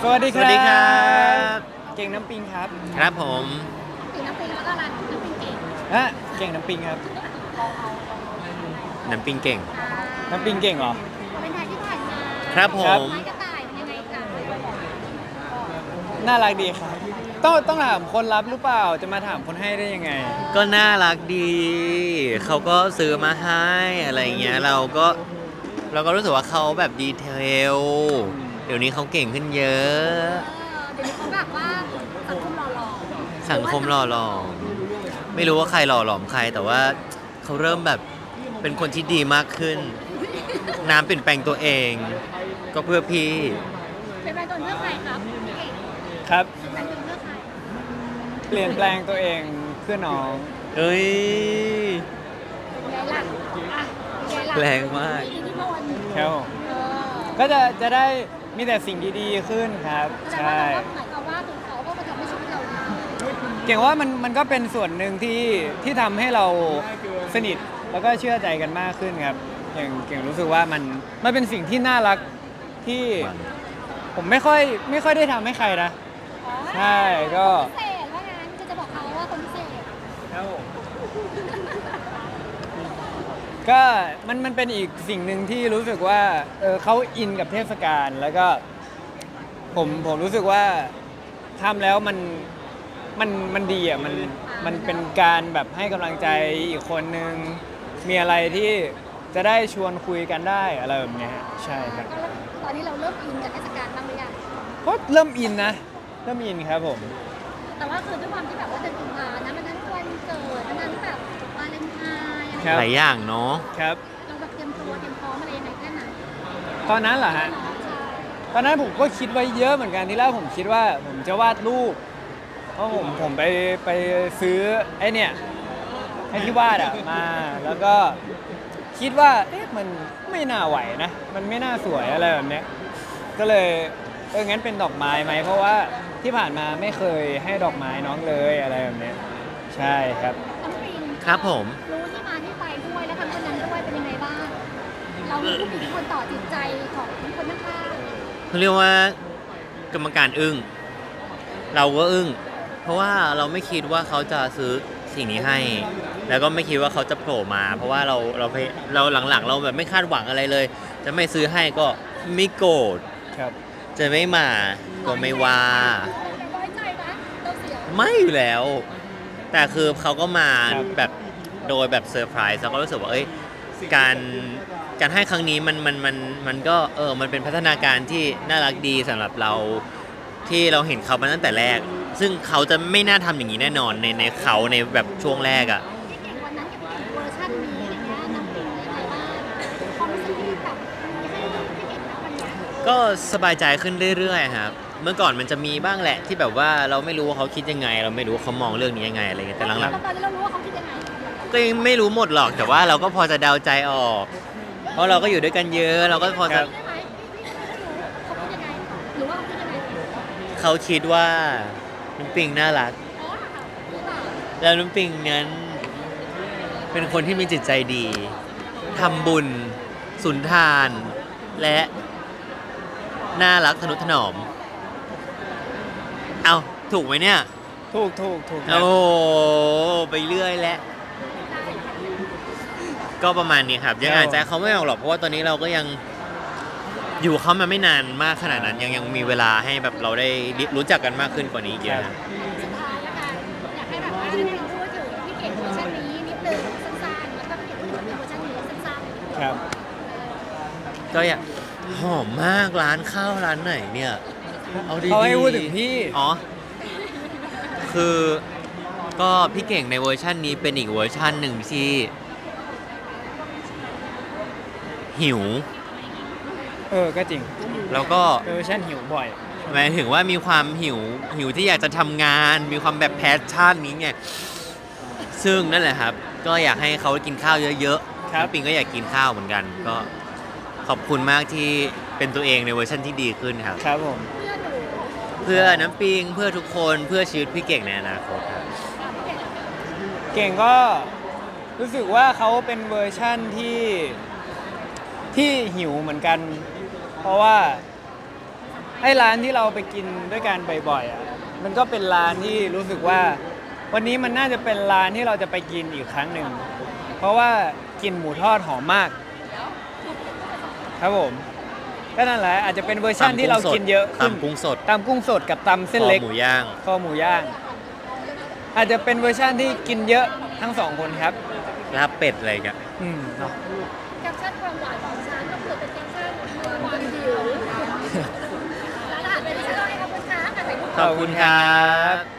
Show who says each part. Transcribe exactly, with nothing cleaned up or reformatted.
Speaker 1: สวัสดีครับ
Speaker 2: สวัสดีครับ
Speaker 1: เก่งน้ำปิงครับ
Speaker 2: ครับผม
Speaker 3: ปิงน้ำปิงแล้วก็รันน้ำปิงเก่ง
Speaker 1: ฮะเก่งน้ำปิงครับ
Speaker 2: น้ำปิงเก่ง
Speaker 1: น้ำปิงเก่งเหรอ
Speaker 3: เป็นไทยที่ผ่านมา
Speaker 2: ครับผม
Speaker 3: ไม้กระต่ายเป็นยังไงกัน
Speaker 1: น่ารักดีครับ ต้องต้องถามคนรับหรือเปล่า จะมาถามคนให้ได้ยังไง
Speaker 2: ก็น่ารักดี เขาก็ซื้อมาให้อะไรเงี้ยเราก็เราก็รู้สึกว่าเขาแบบดีเทล เดี๋ยวนี้เขาเก่งขึ้นเยอะ
Speaker 3: เออเดี๋ยวนี้เขาแบบว่าสังคมหล่อหล่อ
Speaker 2: สังคมหล่อหลอมไม่รู้ว่าใครหล่อหลอมใคร แต่ว่าเขาเริ่มแบบเป็นคนที่ดีมากขึ้น น้ำเปลี่ยนแปลงตัวเอง ก็เพื่อพี่
Speaker 3: เป็นแฟนตัวเลือกใครครับพี่เก่ง
Speaker 1: ครับ
Speaker 3: เป็นแฟนตัวเลือกใคร
Speaker 1: เปลี่ยนแปลงตัวเองเพื่อน้อง
Speaker 2: เอ้ย
Speaker 3: เป็นไงล่ะอ่ะเป็นไงล่ะ
Speaker 2: แรงมาก
Speaker 3: อิทธิพล
Speaker 1: ครับผม
Speaker 3: เออ
Speaker 1: ก็จะจะได้มีแต่สิ่งดีๆขึ้นครับ
Speaker 3: แสดง
Speaker 1: ใช่
Speaker 3: ว่าเราก็หมายความว่าตัวเขาก็มาทำให้ชีวิตเราดี
Speaker 1: เก่งว่ามันมันก็เป็นส่วนหนึ่งที่ที่ทำให้เราสนิทแล้วก็เชื่อใจกันมากขึ้นครับ อย่างเก่งรู้สึกว่ามันมันเป็นสิ่งที่น่ารักที่ผมไม่ค่อยไม่ค่อยได้ทำให้ใครนะ
Speaker 3: อ๋อ
Speaker 1: ใช่ก็
Speaker 3: พิเศษว่างั้นก็จะบอกเขาว่าคนพิเศษ
Speaker 1: ก็มันมันเป็นอีกสิ่งหนึ่งที่รู้สึกว่าเออเขาอินกับเทศกาลแล้วก็ผมผมรู้สึกว่าทำแล้วมันมันมันดีอ่ะมันมันเป็นการแบบให้กำลังใจอีกคนนึงมีอะไรที่จะได้ชวนคุยกันได้อะไรแบบเนี้ยใช่ครับ
Speaker 3: ก็ตอนนี้เราเริ่มอินกับเทศกาลบ้างหรือยัง
Speaker 1: ก็เริ่มอินนะเริ่มอินครับผม
Speaker 3: แต่ว่าคือด้วยความที่แบบว่าเดือนกุมภานะมันทั้งวันเกิดมันทั้งแบบวาเลนไทน์อะไร
Speaker 1: ครับ
Speaker 2: หลายอย่างเนาะ
Speaker 1: ครับ
Speaker 3: เราแบบเตรียมตัวเตรียมพร้อมอะไรยังไงแค่ไหน
Speaker 1: ตอนนั้นเหรอฮะ
Speaker 3: เนาะใช่
Speaker 1: ตอนนั้นผมก็คิดไว้เยอะเหมือนกันที่แรกผมคิดว่าผมจะวาดรูปเพราะผมผมไปไปซื้อไอ้เนี่ยไอ้ที่วาดอะมาแล้วก็คิดว่าเอ๊ะมันไม่น่าไหวนะ มันไม่น่าสวยอะไรแบบเนี้ยก็เลยเอองั้นเป็นดอกไม้ไหมเพราะว่าที่ผ่านมาไม่เคยให้ดอกไม้น้องเลยอะไรแบบเนี้ยใช่ครับ
Speaker 3: น้องปิง
Speaker 2: ครับผม
Speaker 3: รู้ที่มาที่ไปด้วยแล้วทำคนนั้นด้วยเป็นยังไงบ้าง เรามีผู้มีอิทธิพลต่อจิตใจของคนข้าง
Speaker 2: เขาเรียกว่ากรรมการอึ้งเราก็อึ้งเพราะว่าเราไม่คิดว่าเขาจะซื้อสิ่งนี้ให้ แล้วก็ไม่คิดว่าเขาจะโผล่มา เพราะว่าเราเราไปเราหลังๆ เราแบบไม่คาดหวังอะไรเลย จะไม่ซื้อให้ก็ไม่โกรธ
Speaker 1: ครับ
Speaker 2: จะไม่มาก็ไม่ว่า
Speaker 3: ๆน้อยใจนะเราเสีย
Speaker 2: ไม่อยู่แล้ว แต่คือเขาก็มา
Speaker 1: ครับ
Speaker 2: แบบโดยแบบเซอร์ไพรส์เราก็รู้สึกว่าเอ้ยการการให้ครั้งนี้มันมันมันมันก็เออมันเป็นพัฒนาการที่น่ารักดีสำหรับเราที่เราเห็นเขามาตั้งแต่แรก ซึ่งเขาจะไม่น่าทำอย่างนี้แน่นอนในในเขาในแบบช่วงแรกอ่ะ
Speaker 3: พี่เก่งวันนั้นกับพี่เก่งเวอร์ชันนี้อะไรเงี้ยน้องปิงยังไงบ้างความรู้สึกที่แบบมีให้พี่เก่งนะวันเนี้ย
Speaker 2: ก็สบายใจขึ้นเรื่อยๆครับเมื่อก่อนมันจะมีบ้างแหละที่แบบว่าเราไม่รู้ว่าเขาคิดยังไง เราไม่รู้ว่าเขามองเรื่องนี้ยังไงอะไรเงี้ยแต่หลัง
Speaker 3: ตอนนี้เรารู้ว่าเขาคิดยังไง
Speaker 2: ๆก็ยังไม่รู้หมดหรอกแต่ว่าเราก็พอจะเดาใจออก เพราะเราก็อยู่ด้วยกันเยอะ เราก็พอ
Speaker 1: ครั
Speaker 2: จะ
Speaker 1: บ
Speaker 3: ได้ไหมพี่พี่ไม่รู้เขาคิดยังไงหรือว่าเขาคิดยังไง
Speaker 2: เขาคิดว่าน้ำปิงน่ารัก
Speaker 3: อ๋อหรือเปล่า
Speaker 2: แล้วน้ำปิงนั้นเป็นคนที่มีจิตใจดีทำบุญสุนทาน และน่ารักทนุถนอม เอาถูกไหมเนี่ย
Speaker 1: ถูกถูกถูกครับ
Speaker 2: โอ้ไปเรื่อยแล้วก็ประมาณนี้ครับ ยังอ่านใจเขาไม่ออกหรอกเพราะว่าตอนนี้เราก็ยังอยู่เขามาไม่นานมากขนาดนั้น ยังยังมีเวลาให้แบบเราได้รู้จักกันมากขึ้นกว่านี้อีกเยอะ
Speaker 3: สุดท้ายแล้วกันอยากให้แบบว่าให้เราพูดถึงพี่เก่งเวอร์ชันนี้นิดนึงสั้นๆแล้วก็พี่เก่งพูดถึงเวอร์ชันนี้สั้นๆ
Speaker 1: ครับ
Speaker 2: ก็อยากหอมมากร้านข้าวร้านไหนเนี่ย เอาดีๆ
Speaker 1: เขาให้พูดถึงพี่
Speaker 2: อ๋อ คือก็พี่เก่งในเวอร์ชันนี้เป็นอีกเวอร์ชันหนึ่งที่ หิว
Speaker 1: เออก็จริง
Speaker 2: แล้วก็
Speaker 1: เออฉันหิวบ่อย
Speaker 2: หมายถึงว่ามีความหิวหิวที่อยากจะทำงาน มีความแบบแพชชั่นนี้ไงซึ่งนั่นแหละครับ ก็อยากให้เขากินข้าวเยอะๆ
Speaker 1: ครับ
Speaker 2: น้ำปิงก็อยากกินข้าวเหมือนกัน ก็ขอบคุณมากที่เป็นตัวเองในเวอร์ชันที่ดีขึ้นครับ
Speaker 1: ครับผม
Speaker 3: เพื่อนหนู
Speaker 2: เพื่อน้ำปิงเพื่อทุกคนเพื่อชีวิตพี่เก่งในอนาคตครับ
Speaker 1: เก่งก็รู้สึกว่าเขาเป็นเวอร์ชั่นที่ที่หิวเหมือนกัน เพราะว่าไอ้ร้านที่เราไปกินด้วยกันบ่อยๆอ่ะมันก็เป็นร้านที่รู้สึกว่า วันนี้มันน่าจะเป็นร้านที่เราจะไปกินอีกครั้งหนึ่งเพราะว่ากลินหมูทอดหอมมาก ครับผมก็นั่นแหละอาจจะเป็นเวอร์ชันที่เรากินเยอะขึ้น
Speaker 2: ตำกุ้งสด
Speaker 1: ตำกุ้งสดกับตำเส้นเล็ก
Speaker 2: คอหมูย่าง
Speaker 1: คอหมูย่าง อาจจะเป็นเวอร์ชันที่กินเยอะทั้งสองคนครับ
Speaker 2: ลาบเป็ดอะไรกัน
Speaker 1: อืมเนาะ
Speaker 3: แคปชั่นความหวานของฉันก็คือเป็นแคปชั่นความหิวร้านอาหารเป็นที่อร่อยขอบคุณค่ะถ่ายรูป
Speaker 2: ขอบคุณครับ